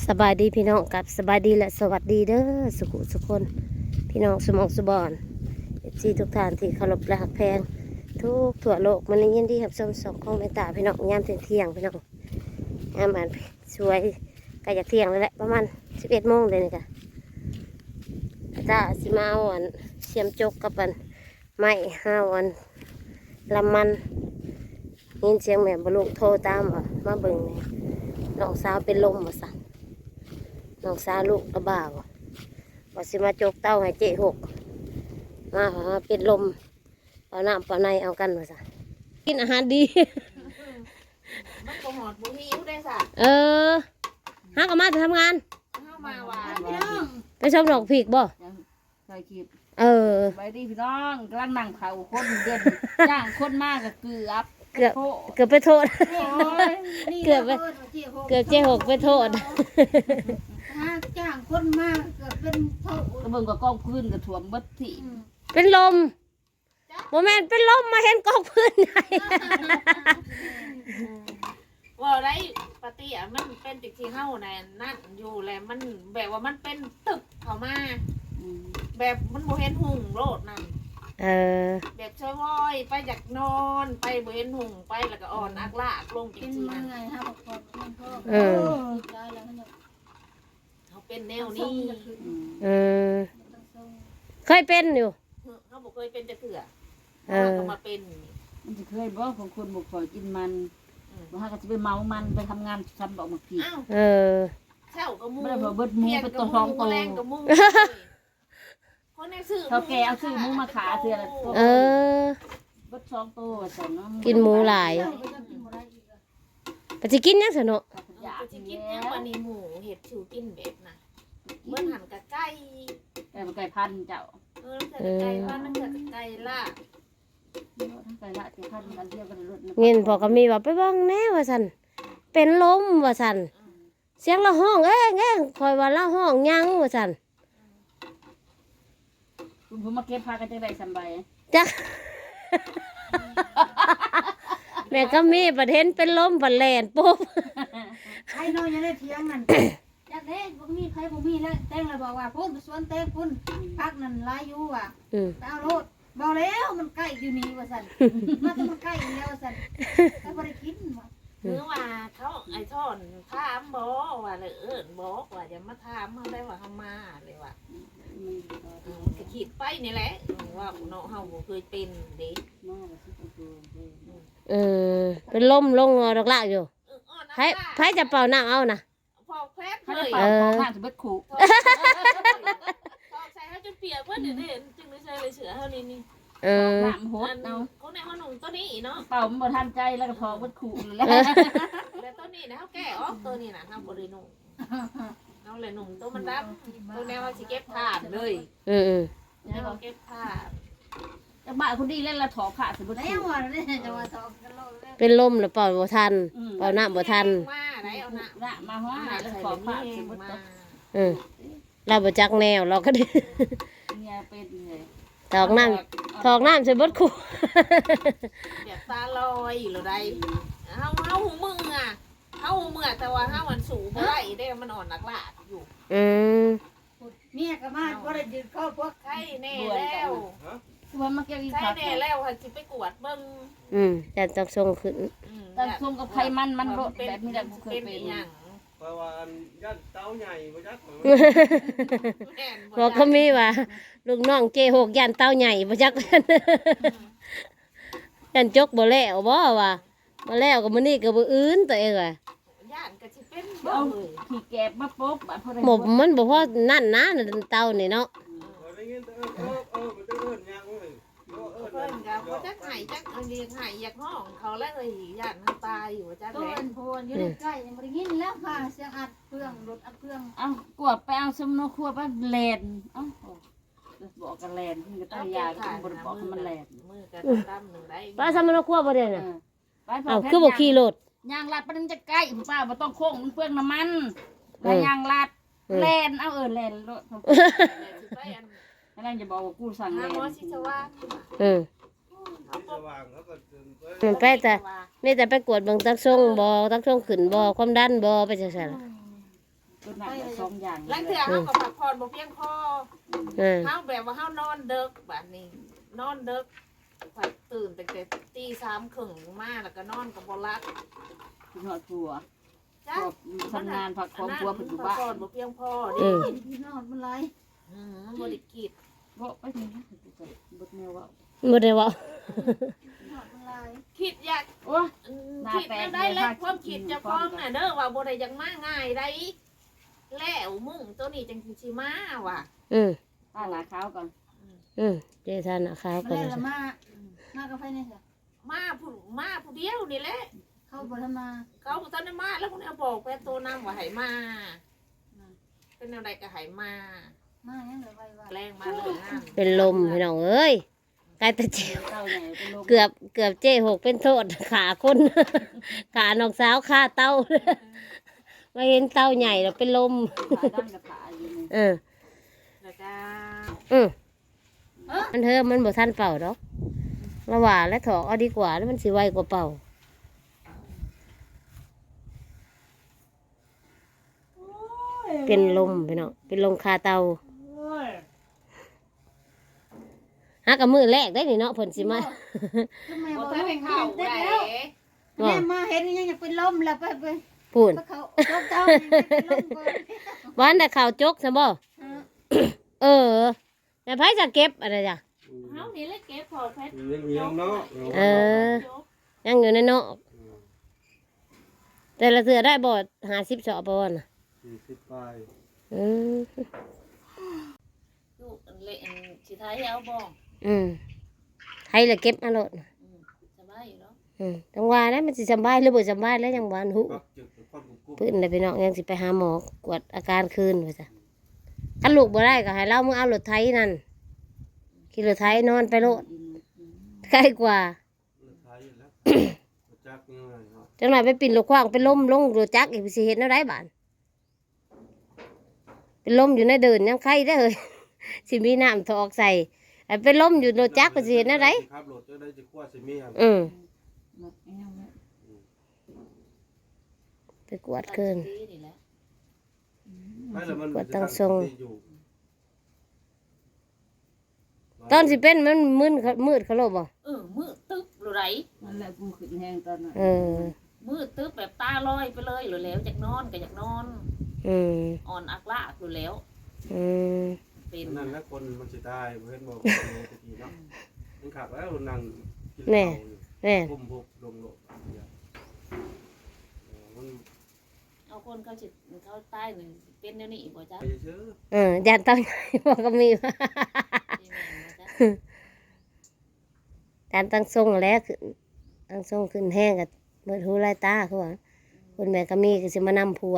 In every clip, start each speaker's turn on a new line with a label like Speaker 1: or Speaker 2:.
Speaker 1: สบายดีพี่น้องกับสบายดีและสวัสดีเด้อสุขุสุขคนพี่น้องสมองสุบอนที่ทุกท่านที่เคารพและหักแพงทุกทั่วโลกมันยินดีครับชมสองของแม่ตาพี่น้องยามเที่ยงพี่น้องยามอ่านสวยใกล้จะเที่ยงแล้วแหละประมาณ11 โมงเลยนี่ค่ะตาสิมาเอาอันเสียมจกกับอันไม้5 วันลำมันยินเสียงแม่บลูกโทรตามว่ามาเบิ่งนี่น้องสาวเป็นลมมาสั่งน้องสาวลูกระบาดว่าสิมาจกเต้าให้เจ๊หกมาเป็นลมเอาน้ำเอาในเอากันมาสั่งกินอาหารดี
Speaker 2: มันก็หอดบุหิวได้สัก
Speaker 1: ฮักก็มาจะทำงาน
Speaker 2: เข้ามาหวาน
Speaker 1: ไปชมดอกผีกบ่
Speaker 3: ใส่คลิปไปดีพี่น้องกำลังนั่งเผาคนเดือนจ้างคนมากกับเกือบ
Speaker 1: ไปโทษเกือบเจ๊หกไปโทษ
Speaker 2: จ้างคนมากเกือบเป็นโทษ
Speaker 3: กระเบื้องกับกองพื้นกับถ่วมบัดที่
Speaker 1: เป็นลมโมเมนเป็นลมมาเห็นกองพื้นไง
Speaker 2: ว่าไรปฏิอ่ะมันเป็นติดที่เข้าในนั่นอยู่แหละมันแบบว่ามันเป็นตึกเข้ามาแบบมันโมเห็นหุ่งโลดนั่นแบบช่วอยไปจากนอนไปโมเห็นหุ่งไปแล้วก็อ่อนอักลากลงจริงๆนะเขาเป็นแนวนี้
Speaker 1: เคยเป็นอยู่
Speaker 2: เขาบอกเคยเป็นจะเถื่อเขามาเป็น
Speaker 3: มันจะเคยบอกของคนบุกฝอยกินมันว่าก็จะไปเมามันไปทำงานทำบอกมาผี
Speaker 2: เช่ากับมู
Speaker 3: ไม่ได้บอกเบิดมูเป็นตัวทองโต
Speaker 2: คนในสื่อ
Speaker 3: เขาแกเอาซื้อมูมาขาเสือเบิด2 ตัวแต่เนาะ
Speaker 1: กินหมูหลายแต่จะกินยังสนุก
Speaker 2: จะกินยังวันนี้หมูเห็ดชิวกินแบบน่ะเมื่อหันกับไก่
Speaker 3: ไก่พันเจ้า
Speaker 2: ไก่พันนั่นเกิดไก่ล่า
Speaker 3: ไก่ละไก่พันกันเดียวกันรถ
Speaker 1: เงินพอก็มีว่าไปบ้างแน่ว่าสันเป็นลมว่าสันเสียงละห้องเอ้ยคอยว่าละห้องยังว่าสัน
Speaker 3: คุณผมมาเก็บพากันจะได้สบาย
Speaker 1: จ้ะแม่ก็มีประเด็นเป็นลมบัดแลนปุ๊บ
Speaker 2: ใครน้อยยังได้เที่ยงนั่นอยากได้บ่มีใครบ่มีแล้วแต้งเลยบอกว่าพุ่นสวนเต้พุ่นพักนั่นหลายอยู่ว่ะเอาโลดบอกแล้วมันใกล้อยู่นี่ว่าซั่นมันใกล้แล้วว่าซั่นก็บ่ได้กินว่ะเมื่อว่าเขาไอ้ท่อนถามบ่ว่าเลยบอกว่าอย่ามาถามเฮาได้ว่าเฮามาเลยว่ะก็คิดไปนี่แหละว่าเนาะเฮาบ่เคยเป็นเด้
Speaker 1: เป็นลมลงดอกละอยู่ไผจะเป่าน้ำเอานะ
Speaker 2: พอแพทเลย
Speaker 3: ข้างจะเบิดขู่
Speaker 2: พอใส่ให้จนเปียกเพิ่นนี่จึงได้ใส่เลยเสือเฮานี่
Speaker 3: น้ำโหดเอา
Speaker 2: เขาในห้องหนุ่มตัวนี้เนาะ
Speaker 3: เป่ามันบ่ทันใจแล้วก็พอเบิดขู่แล้ว
Speaker 2: ตัวนี้นะเฮาแก้ออกตัวนี้น่ะเฮาบ่ได้นุ่มเอาเลยนุ่มตัวมันรับตัวแนวว่าสิเก็บผ้าเลยแล้วเก็บผ้า
Speaker 3: จังบ้าคนดีเล่นละถอผ้าสิบ่ได้
Speaker 2: แล้วว่าได้จะว่าถอกันโลด
Speaker 1: เป็นลมหรือเปล่าบ่ทันเป่าน้ำบ่ทัน
Speaker 2: มาได้เอาน้
Speaker 3: ำมาฮ้อแล้วถอผ้าสิบ่ตก
Speaker 1: เราบ่จักแนวเราก็ได้
Speaker 3: เนี่ยเป็นเลย
Speaker 1: ถอกน้ำใส่เบิดขู่
Speaker 2: แบบตาลอยอยู่แล้วได้เฮาหูมึงอ่ะเฮาหูมึงแต่ว่าเฮามันสูงบ่ได้ได้มันอ่อนนักล่ะอยู่เมียก็มาบ่ได้ยืนเข้าพวกไข้แน่แล้ว
Speaker 3: ว่ามาเกี่ยวอีก
Speaker 2: ไข้แน่แล้วค่ะสิไปกวดเบิ่ง
Speaker 1: แต่ต้องส่งขึ้น
Speaker 3: แต่ส่งกับไขมันรดแบบนี้แหละบ่เคยเป็น
Speaker 2: หยัง
Speaker 4: เพราะว่าย่านเต้าใหญ่บ่จัก
Speaker 1: บอกเขามีว่าลูกน้องเจหกย่านเต้าใหญ่บ่จักย่านจกบ่แล้วบ่ว่าบ่แล้วก็มื้อนี้ก็บ่อื่นตัวเองว่ะ
Speaker 2: ย่านก็สิเป็น
Speaker 3: เอาขี้แกบมาปุ๊บ
Speaker 1: หมบมันบ่พอนั่นนะเต้านี่เนาะ
Speaker 2: เพิ่นก็บ่จักไห้จักอันนี้ไห้อยากห้องเขาแล้วเลยย่านมันตายอยู่จักแหละต้นโพนอยู่ใกล้ยังบ่ได้ยินแล้วค่ะเสียงอัดเครื่องรถอัดเครื่อง
Speaker 3: กวดไปเอาสมโนครัวไปแลนบอกกันแลนที่ก็ต้องยาก็บ่ได้บอกมันแลน
Speaker 2: มือก็ดำนึงได้
Speaker 1: ป้าสมโนครัวบ่ได้น่ะคือบ่ขี่รถ
Speaker 3: ยางลัดมันจะใกล้ป้าบ่ต้องโค้งมันเปลืองน้ำมันแล้วยางลัดแลนเอาแลนรถนั่นจะบอกว่ากูสั่งแลน
Speaker 1: ไปแต่ไม่แต่ไปกวดบางตักส่งบ่ตักส่งขึ้นบ่ความดันบ่ไปจังซั่น
Speaker 3: หนักสองอย่าง
Speaker 5: หลังเถื่อเฮาก็พักผ่อนบ่เพียงพอ เฮาแบบว่าเฮานอนดึกแบบนี้นอนดึกข่อยตื่นตั้งแต่ตี3 ครึ่งมาแล้วก็นอนก็บ่หลับ
Speaker 3: คุณหอดผัว
Speaker 5: จ้ะ
Speaker 3: ทำงานพักความผัวเพิ่นอยู่บ้าน
Speaker 5: พักผ่อนบ่เพียงพอ
Speaker 1: อื
Speaker 5: ดิ
Speaker 1: ม
Speaker 2: พี่น้องมันไร
Speaker 5: บ่ได้กิน
Speaker 3: บ่ไปนี่นะบดแนวว่า
Speaker 1: บ่ได้เว่า
Speaker 2: พี่น้องมันไร
Speaker 5: คิดอยาก
Speaker 3: โอ้ย
Speaker 5: คิดแนวได้แล้วความคิดเจะพร้าขอมน่ะเด้อว่าบ่ได้อยังมาง่ายได้แล้วมุ่งตัวนี้จังสิมาว่ะ
Speaker 1: อืม
Speaker 3: ป้าหนาขาวก่อน
Speaker 1: เจทานนะครั
Speaker 2: มา
Speaker 1: บก่อน
Speaker 2: เล่น
Speaker 1: นะ
Speaker 2: ละมากับไฟนี่จ้ะ
Speaker 5: มาผู้เดียวนี่แหละ
Speaker 2: เข้าบ่ทำมา
Speaker 5: เขาบ่ทันได้มาแล้วคนเอาบอกแฟนตัวนํว่าให้มาเป็นแนวใดก็ให้มา
Speaker 2: มายังเหลือไว้ว่า
Speaker 5: แรงมาเลยงาน
Speaker 1: เป็นลมพี่น้องเอ้ยใกล้ตะเจียว
Speaker 3: เต้าใหญ่เป็นลม
Speaker 1: เกือบเจ๊หกเป็นโทษขาคน ขาน้องสาวขาเต้า มาเห็นเต้าใหญ่แล้วเป็นลม
Speaker 3: ขาด้านกับขาอยู่นี่
Speaker 5: แล้วก็
Speaker 1: อืมมันเธอมันบ่ทันเป่าดอกระหว่าและถอกเอาดีกว่าแล้วมันสิไวกว่าเป่า เป็นลมพี่น้องเป็นลมคาเตาหากับมือแรกได้นี่เนาะผลสิมา
Speaker 2: ทำไม
Speaker 5: บ่
Speaker 2: บอก
Speaker 5: ทัน
Speaker 2: ให้
Speaker 5: ให้
Speaker 2: เข้า
Speaker 5: เข้า
Speaker 2: ได้
Speaker 5: ได้
Speaker 2: แล้วแม่มาเห็นยังอยากเป็นลมแล้วไป
Speaker 1: พูน
Speaker 2: เขาลบเจ้าเป็นลมก่อน
Speaker 1: วันแต่ข่าวจกซะบ่เออแต่ไผจะเก็บอะไรจ้ะ
Speaker 5: เฮานี่แหละเก็บพอเพชร
Speaker 4: เลี้ยงเนาะ
Speaker 1: เออ ยังอยู่ในเนาะแต่ละเสือได้บ่50สอบบ่น่ะ
Speaker 4: 40 ปลาย
Speaker 1: อืม
Speaker 5: ลูกอันเละอันสิท้ายเอาบ่
Speaker 1: ไทยละเก็บมาโลดน่ะ
Speaker 5: สบายอยู่เนาะ
Speaker 1: จังว่าแล้วมันสิสำบายหรือบ่สำบายแล้วจังหวานหู
Speaker 4: ปักจึกความกุ๊บ
Speaker 1: เพิ่นได้ไปน้องยังสิไปหาหมอกวดอาการคืนว่าซะคันลูกบ่ได้ก็ให้เรามึงเอารถไถนั่นขี่รถไถนอนไปโลดใกล้กว่า
Speaker 4: ไทยแล้วจักยังไงเนาะ
Speaker 1: จังหน่อยไปปิ่นลูกขว้างไปล้มลงรถจักรอีกสิเฮ็ดแนวใดบาดเป็นลมอยู่ในเดินยังไข้ได้อเฮ้ย สิมีน้ำถอกใส่ไอ้เป็นลมอยู่รถจักรก็สิเฮ็ดแนวใด
Speaker 4: ครับรถจะได้จะกว่าสิมีครับ
Speaker 1: ไปกวดคืน
Speaker 5: นี่แหละ
Speaker 4: ไม่แล้วมัน
Speaker 1: กดตั้งทรง
Speaker 4: อยู่
Speaker 1: ตอนสิเป็นมันมืดเขาโลบบ่
Speaker 5: มืดตึ๊บหรือไร
Speaker 3: นั่นแหละกูขึ้นแห้งตอนนั้น
Speaker 5: มืดตึ๊บแบบตาลอยไปเลยหรือแล้วอยากนอนก็อยากนอน อ่อนอักละหรือแล้วเป็น
Speaker 4: นั่นแล้วคนมันสิตายเพิ่นบอกว่าตะกี้เนาะมันขับแล้วนั่งกินข้าวอยู่
Speaker 1: แน่
Speaker 4: ก้มพกลงโลกมัน
Speaker 5: เอาคนเขาจิตเขาใต้หนึ่งเป็นเดี๋ยวนี้บ่จ้ะ
Speaker 4: ไปเชื่อ
Speaker 1: ยันต้องบอกก็มีการตั้งทรงแล้วขึ้นตั้งทรงขึ้นแห้งกับเมื่อหูไรตาเขาว่าคนแม่ก็มีก็สิมานำผัว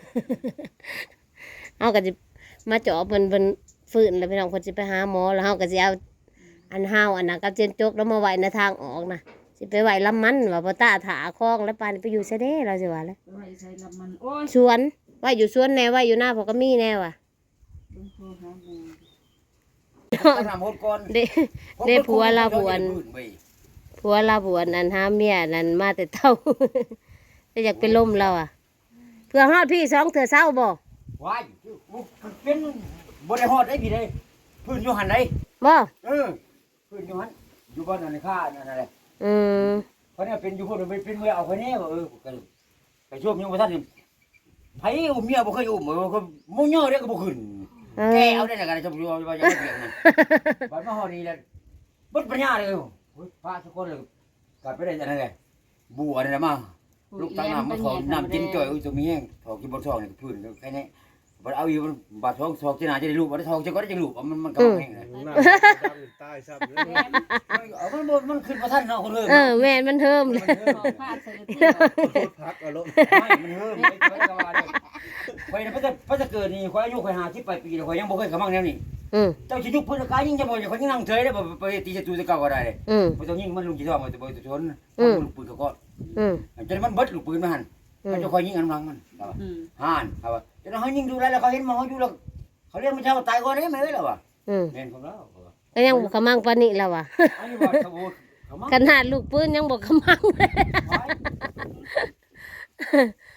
Speaker 1: เอาก็จะมาเจาะเป็นฝืนแล้วพี่น้องคนจะไปหาหมอแล้วเฮาก็จะเอาอันห้าวอันนั้นกับเจนจกแล้วมาไว้ในทางออกนะสิไปไว้ลำมันว่าพ่อตาถาคลองแล้วปานไปอยู่ซะเด้เราสิว่าแล้ว
Speaker 3: ไว้ใช้ลำมันโอ้ย
Speaker 1: สวนไว้อยู่สวนแน่ไว้อยู่หน้าพ่อก็มีแน่ว่ะ
Speaker 3: ลงโทรหาบู
Speaker 6: ทำหมดก่อน
Speaker 1: เด้ผัวลาบวนผัวลาบวนอันหาเมียนั่นมาแต่เท่า จะอยากเป็นลมเราอ่ะเพื่อฮอดพี่2เถื่อเศร้าบ่
Speaker 6: ว้ายเป็นบริหอดได้พี่เลยพื้นอยู่หันไหน
Speaker 1: บ่
Speaker 6: พื้นอยู่หันอยู่บ้านนั่นข้านั่นอะไร
Speaker 1: อืม
Speaker 6: เพราะเนี่ยเป็นอยู่พวกมันเป็นเมื่อเอาคนนี้ว่าไปช่วงยังบ่ทันไผอุ้มเมียบ่เคยอุ้มก็มุ่งย่อได้ก็บ่ขึ้นแกเอาได้แล้วกันจะอยู่ว่าจะเพียงนั่นบัดมาฮอดนี่แล้วบ่ปัญญาเลยพระทุกคนเลยกลับไปได้จังได๋บัวนี่มาลูกตั้งน้ำมาขอน้ำกินจ่อยตัวมีแห้งถอกกินบ่ท้องนี่พื้นแค่นี้บ่เอาอยู่บาดท้องถอกที่หน้าจะได้ลูกบ่ได้ท้องจะก็ได้จังลูกมันก็แห้งเลย
Speaker 4: หน้าดำตายซ้ำเลย
Speaker 6: มันขึ้นบ่ทันเนาะคนเฮ
Speaker 1: แม่นมันเทิมเลย
Speaker 3: ขอพาดใส่ที่
Speaker 4: พักอารมณ์
Speaker 6: มันเฮิมไปก็ว่าได้ข่อยพระจะเกิดนี่ข่อยอายุข่อย50ปีแล้วข่อยยังบ่เคยเข้ามั่งแนวนี้เจ้าสิยุบพื้นกายยิ่งจะบ่ข่อยยังนั่งเฉยได้บ่ไปตีศัตรูตะเก่าก็ได้บ่ต้องยิงมันลุงสิท้องบ่ต้องชนลูกปืนก็จนมันเบิดลูกปืนมาหั่นมันจะข่อยยิงอันหลังมันห่านครับว่าจนเฮายิงดูแลแล้วเขาเห็นหมออยู่แล้วเขาเรียกมันเจ้าตายก่อนได้มั้ยล่ะว่ะแม่นของเรา
Speaker 1: ก็ยังบ่กำมังปานนี้แล้วว่ะ
Speaker 6: อันนี้ว่าสบู่เขามา
Speaker 1: ขนาดลูกปืนยังบ่กำมังเลย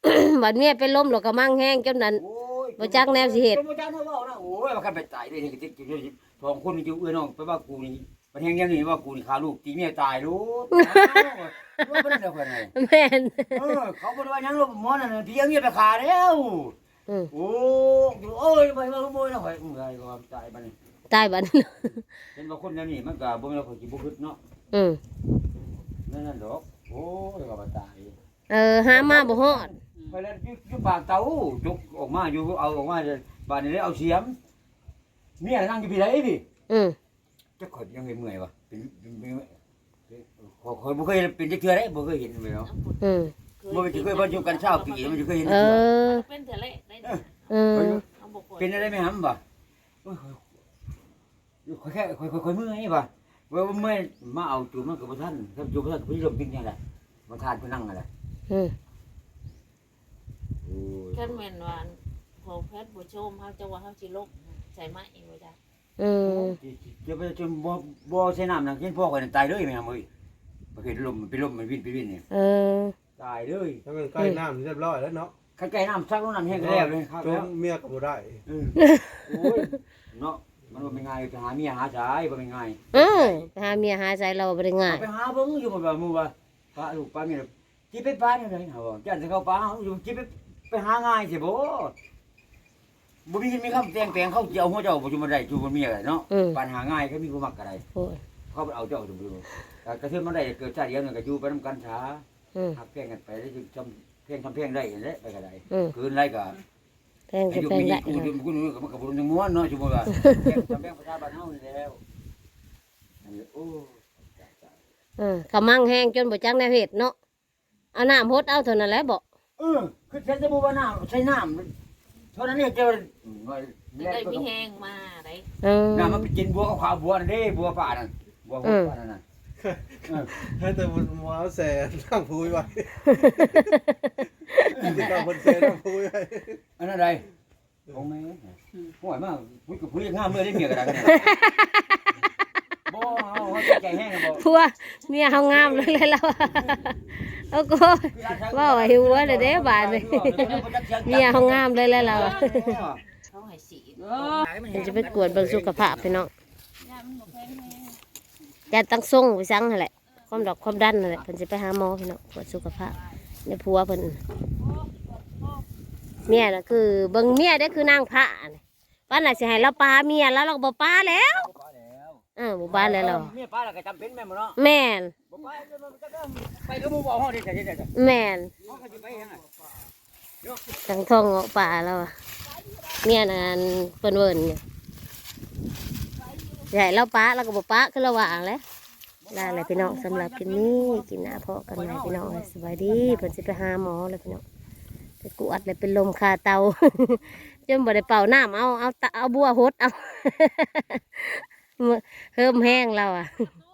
Speaker 1: บัดเมียเป็นลมหรอกกระมังแห้งจนนั้น
Speaker 6: โอ้ย
Speaker 1: บ่จักแนวสิเฮ็ด
Speaker 6: บ่จักแนวเว้านะโอ้ยว่าคันไปตายเลยนี่ก็ติดอยู่สองคนนี่อยู่เอื้อน้องไปว่ากูนี่มันแฮงยังนี่ว่ากูนี่ฆ่าลูกตีเมียตายลูกว่าบ่ได้เด้อเพิ่นไง
Speaker 1: แม่น
Speaker 6: เขาบ่ได้ว่าหยังลูกหมอนั่นน่ะเพียงเมียไปฆ่าแล้ว
Speaker 1: อืม
Speaker 6: โอ้ยไปมาขโมยนะข่อยเมื่อยก็ตายบัดนี้
Speaker 1: ตายบัดนี้
Speaker 6: เห็นว่าคนแนวนี้มันก็บ่แม่นว่าข่อยสิบ่คิดเนาะ
Speaker 1: อืม
Speaker 6: นั่นดอกโอ้ยก็บ่ตาย
Speaker 1: หามาบ่ฮอด
Speaker 6: ไปแล้วอยู่ปากเตาจุกออกมาอยู่เอาออกมาบาดนี้เอาเสียมเมียนั่งอยู่พี่ไหนพี่
Speaker 1: อืม
Speaker 6: จะข่อยยังเมื่อยวะข่อยบ่เคยเป็นจักเทื่อได้บ่เคยเห็นเลยเนาะ
Speaker 1: อืม
Speaker 6: บ่เคยบ่อยู่กันเช้าปีมันจะเคยเห็น
Speaker 1: เออ
Speaker 5: เป็นเถอะเลยได้
Speaker 1: เออ
Speaker 5: เอาบ่ปวด
Speaker 6: เป็นอะไรไหมหำบ่ข่อยแค่ข่อยเมื่อยบ่ว่าเมื่อยมาเอาจูมันก็บ่ทันถ้าจูบ่ทันพี่ลมจริงจังได๋บ่ทานผู้นั่งอะไร
Speaker 1: อืม
Speaker 6: โอ้ย
Speaker 5: คันแม่นว่าพอแพทย์บ่ชมเฮาจะว่าเฮาสิลกใส่ไม้บ่ได้
Speaker 1: อืม
Speaker 6: จะไปจนบ่ใช้น้ำนะเห็นพ่อข่อยตายเลยแม่เอ้ยประเภทลมมันเป็นลมมันวินนี่
Speaker 1: เออ
Speaker 6: ตายเลย
Speaker 4: ถ้ามันใกล้น้ำเรียบร้อยแล้วเนาะ
Speaker 6: ใกล้ๆน้ำซักน้ำแห้งก็แล้วเลยครับ
Speaker 4: จ
Speaker 6: แล้ว
Speaker 4: นเมียก็บ่ได้
Speaker 6: โอ้ยเนาะมันบ่เป็นไงจะหาเมียหาชายบ่เป็นไง
Speaker 1: หาเมียหาใจเราบ่ได้ง่าย
Speaker 6: ไปหาเบิ่งอยู่บ่ว่าหมู่ว่าป้าลูกป้าเมียจิไปป้าเนี่ยเฮาบ่จันสิเข้าป้าเฮาอยู่จิไปหาง่ายสิบ่บ่มีคำแต่งแปลงเขาสิเอาหัวเจ้าบ่อยู่บ่ได้อยู่บ่มีอะไรเนาะปัญหาง่ายก็มีผู้มักก็ได้
Speaker 1: โอ้ย
Speaker 6: เขาเอาเจ้าอยู่บ่กระเทือนมันได้เกิดชาติเดียวนึงก็อยู่ไปนำกันช้า
Speaker 1: อืม
Speaker 6: หักแพงกันไปได้จำเพลงทำเพลงได้แหละไปก็ได้
Speaker 1: อืม
Speaker 6: คืนไรก็
Speaker 1: แพง
Speaker 6: ให้
Speaker 1: ก็
Speaker 6: อยู่
Speaker 1: แพง
Speaker 6: มี
Speaker 1: ได้
Speaker 6: กูอยู่กูนึกมันก็บ่รู้ม้วนเนาะสมมุติว่าทำเพลงประชาบ้านเฮานี่แล้วอันนี้โอ้
Speaker 1: กระมังแห้งจนบ่จักแนวเฮ็ดเนาะเอาน้ำพดเอาเท่านั้นแหละบ่
Speaker 6: คือฉันจะบอกว่าน้ำใช้น้ำเท่านั้นเนี่ยจะ
Speaker 5: ได้มีแห้งมาได้
Speaker 6: น้ำมันไปกินบัวขาวบัวนั่นเด้บัวป่านั่นบัวป่านั่นน่ะ
Speaker 4: ให้แต่มันมาเอาแสนั่งพูยไว้จะต้องบนแสนั่งพูยไว้
Speaker 6: อันนั้นไรของแม่ห่วยมากพูดกับพูดง่ามเมื่อได้เมียกันได้บ่เขาใจแห้งบ่
Speaker 1: พัวเมียเฮางามเลยแล้วเอาก็ว่าว่าหิวเลยเด้บาดนี่เมียเฮางามเลยแล้วเรา
Speaker 5: เขาให้สี
Speaker 1: มันจะไปกวดเบิ่งสุขภาพพี่น้องจะตั้งส่งไปซังนั่นแหละความดอกความดันนั่นแหละเพิ่นสิไปหาหมอพี่น้องกวดสุขภาพในผัวเพิ่นเมียน่ะคือเบิ่งเมียได้คือนางพระนี่ว่าน่ะสิให้เราปาเมียแล้วเราก็บ่ปาแล้วบ่ปาแล้วเรา
Speaker 6: เมียป้าแล้วก็จำเป็นแม่บ่เนาะ
Speaker 1: แม่น
Speaker 6: บ่ไปก็บ่บอกเฮาได้แต่
Speaker 1: แม่น
Speaker 6: เฮาก็สิไปยังไง
Speaker 1: ทั้งท้องเงาะป่าแล้วอะเมียนั่นเพิ่นเวิ้นเนี่ยใหญ่เราปาเราก็บ่ปาคือระหว่างแหล้วได้เลยพี่น้องสำหรับคลิปนี้กินหน้าเพาะกันใหม่พี่น้องสบายดีเพิ่นสิไปหาหมอเลยพี่น้องไปกวดเลยเป็นลมคาเตา จนบ่ได้เป่าน้ำเอาบัวหดเอา เฮิมแห้งเราอ่ะ